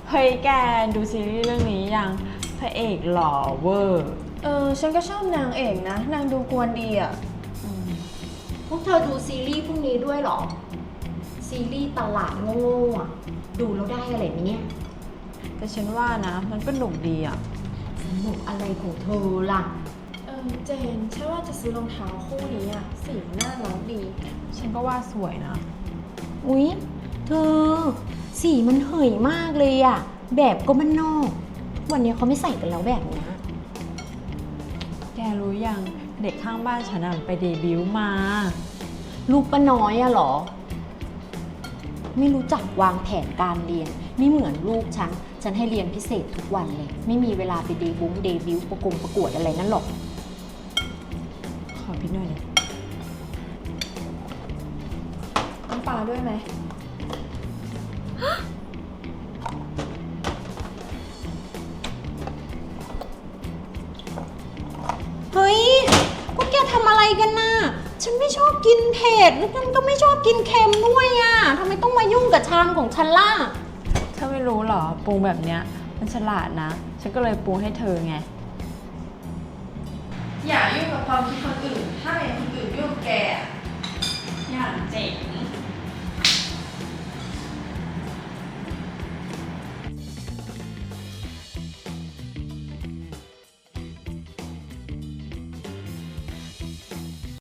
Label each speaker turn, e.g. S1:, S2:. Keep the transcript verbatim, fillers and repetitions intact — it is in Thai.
S1: เฮ้ยแกดูซีรีส์เรื่องนี้ยังพระเอกหล่อเวอร์
S2: เออฉันก็ชอบนางเอกนะนางดูกวนดีอ่ะ
S3: พวกเธอดูซีรีส์พวกนี้ด้วยเหรอ ซีรีส์ตลาดโง่ๆอะดูแล้วได้อะไรไหมเนี่ย
S1: แต่ฉันว่านะมันก็หนุกดีอ่ะ
S3: สนุกอะไรของเธอล่ะ
S2: เออเจนฉันว่าจะซื้อรองเท้าคู่นี้อ่ะสีมันน่ารักดี
S1: ฉันก็ว่าสวยนะ
S3: อุ๊ย เธอ สีมันเหยมากเลยอะแบบก็มันนอก วันนี้เขาไม่ใส่กันแล้วแบบเนี้ย
S1: แกรู้ยังเด็กข้างบ้านฉันอะไปเดบิวต์มา
S3: ลูกป้าน้อยอะเหรอ ไม่รู้จักวางแผนการเรียน ไม่เหมือนลูกฉัน ฉันให้เรียนพิเศษทุกวันเลย ไม่มีเวลาไปเดบุ้งเดบิวต์ประกงประกวดอะไรนั่นหรอก
S1: ขอพี่หน่อยดิ
S2: น้ำปลาด้วยไหม
S3: เฮ้ย พวกแกทำอะไรกันน่ะ ฉันไม่ชอบกินเผ็ดแล้วฉันก็ไม่ชอบกินเค็มด้วยอ่ะทำไมต้องมายุ่งกับชามของฉันล่ะ
S1: เธอไม่รู้เหรอปรุงแบบเนี้ยมันฉลาดนะ ฉันก็เลยปรุงให้เธอไง
S4: อย่ายุ่งกับความคิดคนอื่น ถ้าเป็นคนอื่นยุ่งกับแกอะ
S1: อย่างเจ๋ง